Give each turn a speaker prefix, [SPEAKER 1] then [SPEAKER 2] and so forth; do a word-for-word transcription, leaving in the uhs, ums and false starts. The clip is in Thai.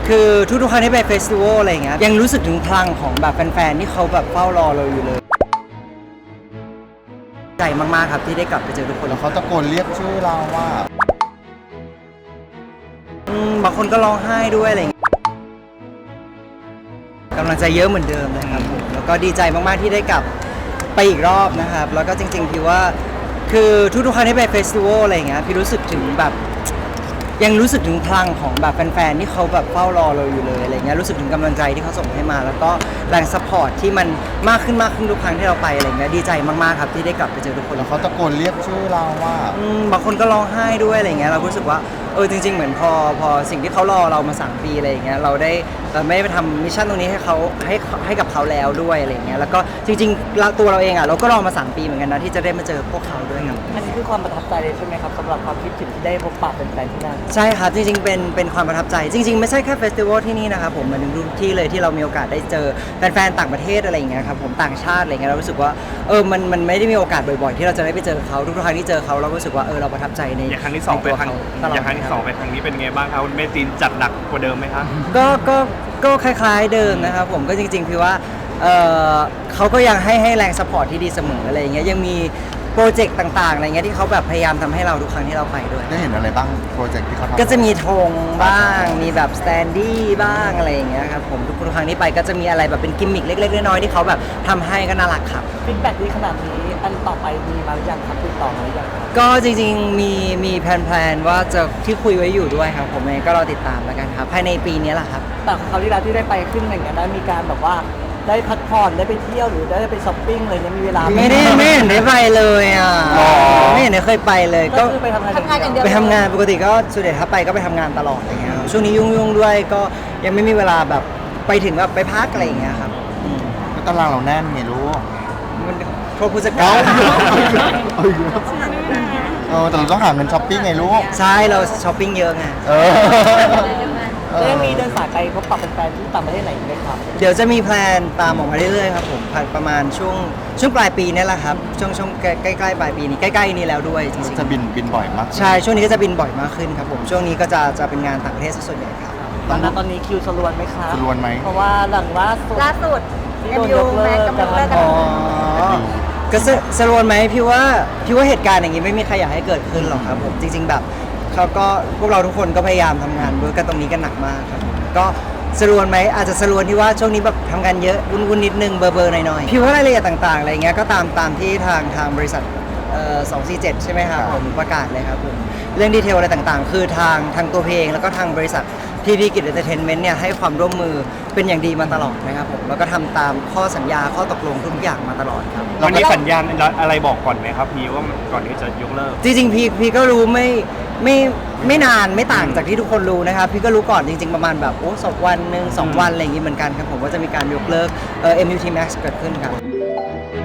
[SPEAKER 1] คือทุกๆครั้งที่ไปเฟสติวัลอะไรเงี้ยยังรู้สึกถึงพลังของแบบแฟนๆที่เขาแบบเฝ้ารอเราอยู่เลยใจมากๆครับที่ได้กลับไปเจอทุกคน
[SPEAKER 2] แล้วเขาตะโกนเรียกชื่อเราว่า
[SPEAKER 1] อืมบางคนก็ร้องไห้ด้วยอะไรเงี้ยกำลังใจเยอะเหมือนเดิมเลยครับผมแล้วก็ดีใจมากๆที่ได้กลับไปอีกรอบนะครับแล้วก็จริงๆพี่ว่าคือทุกๆครั้งที่ไปเฟสติวัลอะไรเงี้ยพี่รู้สึกถึงแบบยังรู้สึกถึงพลังของแบบแฟนๆที่เขาแบบเฝ้ารอเราอยู่เลยอะไรเงี้ยรู้สึกถึงกำลังใจที่เขาส่งให้มาแล้วก็แรงซัพพอร์ตที่มันมากขึ้นมากขึ้นทุกครั้งที่เราไปอะไรเงี้ยดีใจมากๆครับที่ได้กลับไปเจอทุกคน
[SPEAKER 2] แล้วเขาตะโกนเรียกชื่อเราว่า
[SPEAKER 1] อืมบางคนก็ร้องไห้ด้วยอะไรเงี้ยเรารู้สึกว่าเออจริงๆเหมือนพอพอสิ่งที่เขารอเรามาสามปีอะไรอย่างเงี้ยเราได้เราไม่ได้ไปทำมิชชั่นตรงนี้ให้เขาให้ให้กับเขาแล้วด้วยอะไรเงี้ยแล้วก็จริงๆเราตัวเราเองอ่ะเราก็รอมาสามปีเหมือนกันนะที่จะได้มาเจอพวกเขาด้วยครับ
[SPEAKER 3] อันนี้คือความประทับใจเลยใช่ไหมครับสำหรับความคิดถึงที่ได้พบปะแฟนๆที่นั่น
[SPEAKER 1] ใช่ครับจริงๆเป็นเป็นความประทับใจจริงๆไม่ใช่แค่เฟสติวัลที่นี่นะครับผมมันทุกที่เลยที่เรามีโอกาสได้เจอแฟนๆต่างประเทศอะไรอย่างเงี้ยครับผมต่างชาติอะไรเงี้ยเรารู้สึกว่าเออมันมันไม่ได้มีโอกาสบ่อยๆที่เราจะได้ไปเจอเขาทุกครั้งที่เจอเขาเรารู้สึกว่าเออเราประทับใจใน
[SPEAKER 4] อย่างครั้งที่สองไปครั้ง
[SPEAKER 1] ตลอด
[SPEAKER 4] อย่างครั้งที่สองไปครั้งนี้เป็นไงบ้างครับเมจินจัดหนักกว่าเดิมไหมครับ
[SPEAKER 1] ก็ก็ก็คล้ายๆเดิมนะครับผมก็จริงๆคือว่าเออเขาก็ยังให้ให้แรงสปอร์ตที่ดีเสมออะไรอย่างเงี้ยยังมีโปรเจกต์ต่างๆอะไรเงี้ยที่เขาแบบพยายามทำให้เราทุกครั้งที่เราไปด้วย
[SPEAKER 2] ได้เห็นอะไรบ้างโปรเจกต์ที่เขาทำ
[SPEAKER 1] ก็จะมีธงบ้างมีแบบสแตนดี้บ้างอะไรอย่างเงี้ยครับผมทุกครั้งที่ไปก็จะมีอะไรแบบเป็นกิมมิคเล็กๆน้อยๆที่เขาแบบทำให้ก็น่ารักครับ
[SPEAKER 3] ฟีดแบ็กดีขนาดนี้อันต่อไปมีมาหรือยังครับติดต่อมาหรือยังครับ
[SPEAKER 1] ก็จริงๆมีมีแพลนๆว่าจะที่คุยไว้อยู่ด้วยครับผมเองก็รอติดตามแล้วกันครับภายในปีนี้แหละครับ
[SPEAKER 3] แต่คราวที่แล้วที่ได้ไปขึ้นอย่างเงี้ยได้มีการแบบว่าได้พักผ่อนได้ไปเที่ยวหรือได้ไปช้อปปิ้งเลยเนี่ยมีเวลาห
[SPEAKER 1] ไม่ได้ไม่เห็นได้ไปเลยอ่ะไม่เห็นได้เคยไปเลย
[SPEAKER 3] ก็
[SPEAKER 1] ก็
[SPEAKER 3] คือไปทำงาน
[SPEAKER 5] ทำงานอย่างเดียว
[SPEAKER 1] ไปทำงานปกติก็ส่วนใหญ่ถ้าไปก็ไปทำงานตลอดอะไรเงี้ยครับช่วงนี้ยุ่งๆด้วยก็ยังไม่มีเวลาแบบไปถึงแบบไปพักอะไรอย่างเงี้ยครับอืม
[SPEAKER 2] ก็ตารางเราแน่นไงลูก
[SPEAKER 1] มันโทษผู้จัดการ
[SPEAKER 2] เออแต่เราต้องหาเงินช้อปปิ้งไงลูก
[SPEAKER 1] ใช่เราช้อปปิ้งเยอะไง
[SPEAKER 2] เออ
[SPEAKER 3] แล้วยังมีเดินสายไปพบปะแฟนๆที่ต่างประเทศไหนอีกไหมครับ
[SPEAKER 1] เดี๋ยวจะมีแพลนตามออกมาเรื่อยๆครับผมประมาณช่วงช่วงปลายปีนี่แหละครับช่วงช่วงใกล้ๆปลายปีนี้ใกล้ๆนี้แล้วด้วยจริง
[SPEAKER 2] จะบินบินบ่อยมาก
[SPEAKER 1] ๆใช่ช่วงนี้ก็จะบินบ่อยมากขึ้นครับผมช่วงนี้ก็จะจะเป็นงานต่างประเทศซะส่วนใหญ่ครับ
[SPEAKER 3] ตอนนั้นตอนนี้คิวสรวนไหมครับ
[SPEAKER 2] สรวนไหม
[SPEAKER 3] เพราะว่าหลังล่าสุด
[SPEAKER 5] ล่าสุด
[SPEAKER 3] ที่
[SPEAKER 5] เอ็
[SPEAKER 3] โด
[SPEAKER 5] ม
[SPEAKER 3] น
[SPEAKER 5] ยู
[SPEAKER 3] ยกเลิ
[SPEAKER 5] แม็
[SPEAKER 3] ก
[SPEAKER 5] กกำลังเลิกกัน
[SPEAKER 1] อ๋อก็สสรวนไหมพี่ว่าพี่ว่าเหตุการณ์อย่างนี้ไม่มีใครอยากให้เกิดขึ้นหรอกครับผมจริง ๆ แบบเขาก็พวกเราทุกคนก็พยายามทำงานด้วยกันตรงนี้กันหนักมากครับผมก็สรวนไหมอาจจะสรวนที่ว่าช่วงนี้แบบทำงานเยอะวุ่นๆนิดนึงเบอร์เบอร์หน่อยๆพี่ว่ารายละเอียดต่างๆอะไรเงี้ยก็ตามตามที่ทางทางบริษัทเอ่อสองสี่เจ็ดใช่ไหมครับผมประกาศเลยครับผมเรื่องดีเทลอะไรต่างๆ คือทางทางตัวเพลงแล้วก็ทางบริษัทพีพีกิจเอนเตอร์เทนเมนต์เนี่ยให้ความร่วมมือเป็นอย่างดีมาตลอดนะครับผมแล้วก็ทำตามข้อสัญญาข้อตกลงทุกอย่างมาตลอดครับ
[SPEAKER 4] มันมีสัญญาณอะไรบอกก่อนไหมครับพี่ว่ามันก่อนที่จะยกเลิก
[SPEAKER 1] จริงๆพี่พี่ก็รู้ไม่ไม่ไม่นานไม่ต่างจากที่ทุกคนรู้นะครับพี่ก็รู้ก่อนจริงๆประมาณแบบโอ้สองวันหนึ่งสองวันอะไรอย่างงี้เหมือนกันครับผมว่าจะมีการยกเลิกเอ่อ เอ็ม ยู ที Max เกิดขึ้นครับ